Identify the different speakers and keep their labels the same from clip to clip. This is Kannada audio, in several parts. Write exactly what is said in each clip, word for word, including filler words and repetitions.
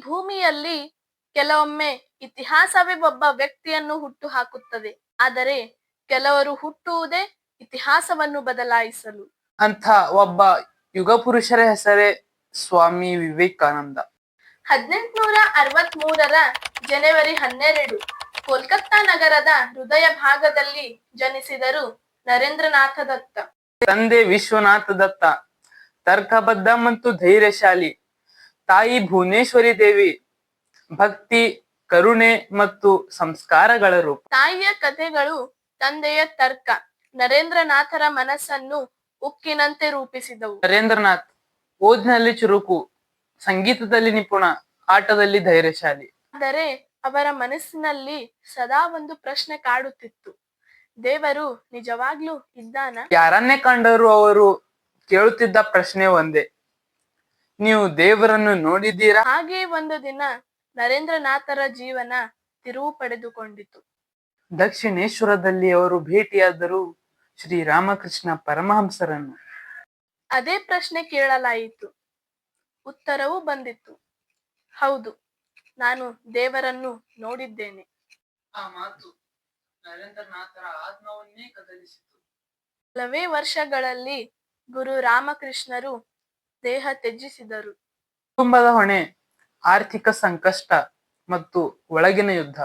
Speaker 1: ಭೂಮಿಯಲ್ಲಿ ಕೆಲವೊಮ್ಮೆ ಇತಿಹಾಸವೇ ಒಬ್ಬ ವ್ಯಕ್ತಿಯನ್ನು ಹುಟ್ಟು ಹಾಕುತ್ತದೆ, ಆದರೆ ಕೆಲವರು ಹುಟ್ಟುವುದೇ ಇತಿಹಾಸವನ್ನು ಬದಲಾಯಿಸಲು.
Speaker 2: ಅಂತ ಒಬ್ಬ ಯುಗ ಪುರುಷರ ಹೆಸರೇ ಸ್ವಾಮಿ ವಿವೇಕಾನಂದ.
Speaker 1: ಹದಿನೆಂಟುನೂರ ಅರವತ್ತ್ ಮೂರರ ಜನವರಿ ಹನ್ನೆರಡು ಕೋಲ್ಕತ್ತಾ ನಗರದ ಹೃದಯ ಭಾಗದಲ್ಲಿ ಜನಿಸಿದರು ನರೇಂದ್ರನಾಥ ದತ್ತ.
Speaker 2: ತಂದೆ ವಿಶ್ವನಾಥ ದತ್ತ ತರ್ಕಬದ್ಧ ಮತ್ತು ಧೈರ್ಯಶಾಲಿ. ತಾಯಿ ಭುವನೇಶ್ವರಿ ದೇವಿ ಭಕ್ತಿ, ಕರುಣೆ ಮತ್ತು ಸಂಸ್ಕಾರಗಳ ರೂಪ.
Speaker 1: ತಾಯಿಯ ಕಥೆಗಳು, ತಂದೆಯ ತರ್ಕ ನರೇಂದ್ರನಾಥರ ಮನಸ್ಸನ್ನು ಉಕ್ಕಿನಂತೆ ರೂಪಿಸಿದವು.
Speaker 2: ನರೇಂದ್ರನಾಥ್ ಓದಿನಲ್ಲಿ ಚುರುಕು, ಸಂಗೀತದಲ್ಲಿ ನಿಪುಣ, ಆಟದಲ್ಲಿ ಧೈರ್ಯಶಾಲಿ.
Speaker 1: ಆದರೆ ಅವರ ಮನಸ್ಸಿನಲ್ಲಿ ಸದಾ ಒಂದು ಪ್ರಶ್ನೆ ಕಾಡುತ್ತಿತ್ತು. ದೇವರು ನಿಜವಾಗ್ಲೂ ಇದ್ದಾನ?
Speaker 2: ಯಾರನ್ನೇ ಕಂಡರೂ ಅವರು ಕೇಳುತ್ತಿದ್ದ ಪ್ರಶ್ನೆ ಒಂದೇ, ನೀವು ದೇವರನ್ನು ನೋಡಿದ್ದೀರಾ?
Speaker 1: ಹಾಗೆ ಒಂದು ದಿನ ನರೇಂದ್ರನಾಥರ ಜೀವನ ತಿರುವು ಪಡೆದುಕೊಂಡಿತು.
Speaker 2: ದಕ್ಷಿಣೇಶ್ವರದಲ್ಲಿ ಅವರು ಭೇಟಿಯಾದರು ಶ್ರೀರಾಮಕೃಷ್ಣ ಪರಮಹಂಸರನ್ನು.
Speaker 1: ಅದೇ ಪ್ರಶ್ನೆ ಕೇಳಲಾಯಿತು. ಉತ್ತರವೂ ಬಂದಿತ್ತು, ಹೌದು, ನಾನು ದೇವರನ್ನು ನೋಡಿದ್ದೇನೆ.
Speaker 2: ಆ ಮಾತು ನರೇಂದ್ರನಾಥರ ಆತ್ಮವನ್ನೇ ಕದಲಿಸಿತು.
Speaker 1: ಕೆಲವೇ ವರ್ಷಗಳಲ್ಲಿ ಗುರು ರಾಮಕೃಷ್ಣರು ದೇಹ ತ್ಯಜಿಸಿದರು.
Speaker 2: ಕುಟುಂಬದ ಹೊಣೆ, ಆರ್ಥಿಕ ಸಂಕಷ್ಟ ಮತ್ತು ಒಳಗಿನ ಯುದ್ಧ.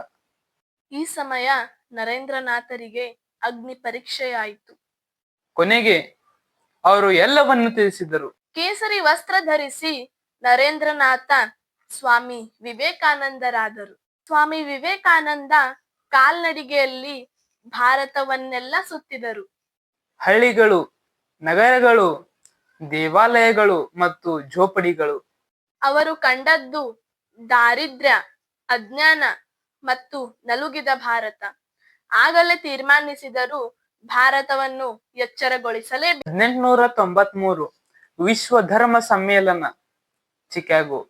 Speaker 1: ಈ ಸಮಯ ನರೇಂದ್ರನಾಥರಿಗೆ ಅಗ್ನಿ ಪರೀಕ್ಷೆಯಾಯಿತು.
Speaker 2: ಕೊನೆಗೆ ಅವರು ಎಲ್ಲವನ್ನು ತಿಳಿಸಿದರು.
Speaker 1: ಕೇಸರಿ ವಸ್ತ್ರ ಧರಿಸಿ ನರೇಂದ್ರನಾಥ ಸ್ವಾಮಿ ವಿವೇಕಾನಂದರಾದರು. ಸ್ವಾಮಿ ವಿವೇಕಾನಂದ ಕಾಲ್ನಡಿಗೆಯಲ್ಲಿ ಭಾರತವನ್ನೆಲ್ಲ ಸುತ್ತಿದರು.
Speaker 2: ಹಳ್ಳಿಗಳು, ನಗರಗಳು, ದೇವಾಲಯಗಳು ಮತ್ತು ಝೋಪಡಿಗಳು.
Speaker 1: ಅವರು ಕಂಡದ್ದು ದಾರಿದ್ರ್ಯ, ಅಜ್ಞಾನ ಮತ್ತು ನಲುಗಿದ ಭಾರತ. ಆಗಲೇ ತೀರ್ಮಾನಿಸಿದರು, ಭಾರತವನ್ನು ಎಚ್ಚರಗೊಳಿಸಲೇಬೇಕು.
Speaker 2: ಹದಿನೆಂಟುನೂರ ತೊಂಬತ್ ಮೂರು ವಿಶ್ವ ಧರ್ಮ ಸಮ್ಮೇಳನ, Chicago.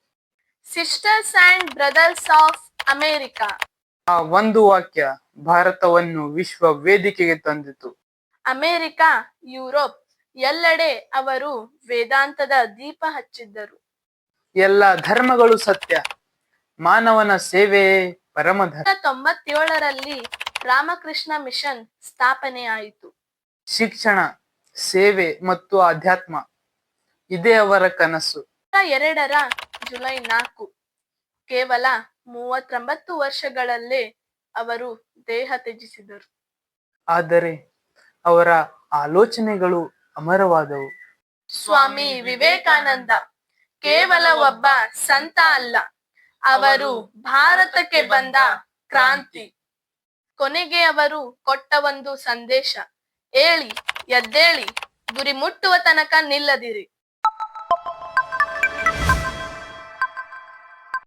Speaker 1: Sisters and brothers of America.
Speaker 2: ಆ ಒಂದು ವಾಕ್ಯ ಭಾರತವನ್ನು ವಿಶ್ವ ವೇದಿಕೆಗೆ ತಂದಿತು.
Speaker 1: ಅಮೆರಿಕ, ಯುರೋಪ್ ಎಲ್ಲೆಡೆ ಅವರು ವೇದಾಂತದ ದೀಪ ಹಚ್ಚಿದ್ದರು.
Speaker 2: ಎಲ್ಲ ಧರ್ಮಗಳು ಸತ್ಯ, ಮಾನವನ ಸೇವೆಯೇ ಪರಮಧರ್ಮ.
Speaker 1: ತೊಂಬತ್ತೇಳರಲ್ಲಿ ರಾಮಕೃಷ್ಣ ಮಿಷನ್ ಸ್ಥಾಪನೆಯಾಯಿತು.
Speaker 2: ಶಿಕ್ಷಣ, ಸೇವೆ ಮತ್ತು ಆಧ್ಯಾತ್ಮ ಇದೇ ಅವರ ಕನಸು.
Speaker 1: ಎರಡರ ಜುಲೈ ನಾಲ್ಕು ಕೇವಲ ಮೂವತ್ತೊಂಬತ್ತು ವರ್ಷಗಳಲ್ಲೇ ಅವರು ದೇಹ ತ್ಯಜಿಸಿದರು.
Speaker 2: ಆದರೆ ಅವರ ಆಲೋಚನೆಗಳು ಅಮರವಾದವು.
Speaker 1: ಸ್ವಾಮಿ ವಿವೇಕಾನಂದ ಕೇವಲ ಒಬ್ಬ ಸಂತ ಅಲ್ಲ, ಅವರು ಭಾರತಕ್ಕೆ ಬಂದ ಕ್ರಾಂತಿ. ಕೊನೆಗೆ ಅವರು ಕೊಟ್ಟ ಒಂದು ಸಂದೇಶ, ಏಳಿ ಎದ್ದೇಳಿ, ಗುರಿ ಮುಟ್ಟುವ ತನಕ ನಿಲ್ಲದಿರಿ.